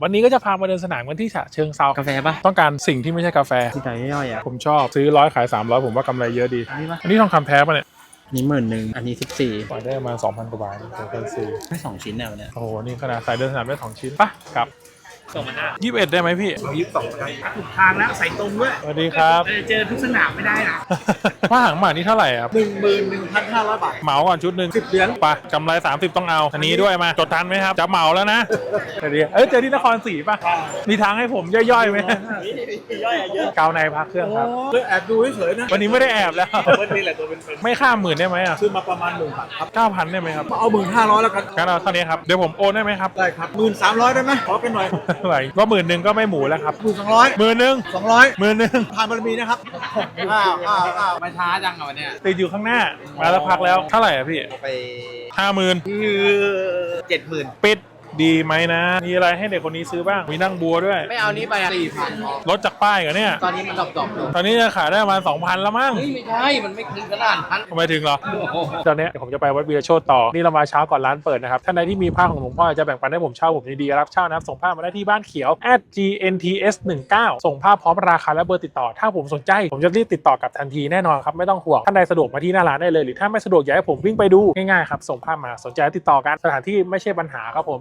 วันนี้ก็จะพามาเดินสนามกันที่ฉะเชิงเทรากาแฟปะต้องการสิ่งที่ไม่ใช่กาแฟที่ไหนย่อยอ่ะผมชอบซื้อ100ขาย300ผมว่ากำไรเยอะดีนี่ปะอันนี้ทองคำแท้ป่ะเนี่ยนี่10,000อันนี้14 ปล่อยได้ประมาณ 2,000 กว่าบาทเดี๋ยวกันซื้อไม่2ชิ้นแนวเนี่ยโอ้โหนี่ขนาดใส่เดินสนามได้2ชิ้นปะกลับ 2,500 21ได้ไหมพี่เอา22ได้ถูกทางแล้วใส่ตรงด้วยสวัสดีครับเจอทุกสนามไม่ได้นะผ้าหางหมานี่เท่าไหร่ครับ 11,500 บาทเหมาก่อนชุดหนึ่ง 10 เหรียญไปกำไร30ต้องเอาอันนี้ด้วยมาจดทันไหมครับจะเหมาแล้วนะเดี๋ยวเจอที่นครศรีป่ะมีทางให้ผมย่อยๆไหมย่อยเยอะกาวในพักเครื่องครับเลือกแอบดูเฉยๆนะวันนี้ไม่ได้แอบแล้ววันนี้แหละตัวเป็นไม่ข้าม10,000ได้ไหมอ่ะซื้อมาประมาณ1,000ครับ 9,000ได้ไหมครับเอา1,500แล้วกันงั้นเอาเท่านี้ครับเดี๋ยวผมโอนได้ไหมครับได้ครับ1,300ได้ไหมขอกันหน่อยไหวก็10,000ก็ไม่หมูแล้วครับ 1,200 10,000 200 10,000 ทานบารมีนะครับอ้าวมาช้าจังอ่ะวันเนี้ยติดอยู่ข้างหน้ามาแล้วพักแล้วเท่าไหร่อ่ะพี่ไป 50,000 70,000 ปิดดีไหมนะ มีอะไรให้เด็กคนนี้ซื้อบ้าง มีนั่งบัวด้วยไม่เอานี้ไปอ่ะ4,000 ลดจากป้ายกันเนี่ยตอนนี้มันดรอปๆอยู่ตอนนี้จะขายได้ประมาณ 2,000 แล้วมั้งเฮ้ยไม่ใช่มันไม่ถึงขนาดนั้นทำไมถึงเหรอ ตอนนี้เดี๋ยวผมจะไปวัดวีรโชตต่อ นี่เรามาเช้าก่อนร้านเปิดนะครับ ท่านใดที่มีผ้าของหลวงพ่อจะแบ่งปันให้ผมเช่าผมยินดีรับเช่านะครับ ส่งผ้ามาได้ที่บ้านเขียว @gnts19 ส่งผ้าพร้อมราคาและเบอร์ติดต่อ ถ้าผมสนใจ ผมจะรีบติดต่อกลับทันทีแน่นอนครับ ไม่ต้องห่วง ท่านใดสะดวกมาที่หน้าร้านได้เลย หรือถ้าไม่สะดวกอยากให้ผมวิ่งไปดู ง่ายๆครับ ส่งผ้ามา สนใจติดต่อกัน สถานที่ไม่ใช่ปัญหาครับผม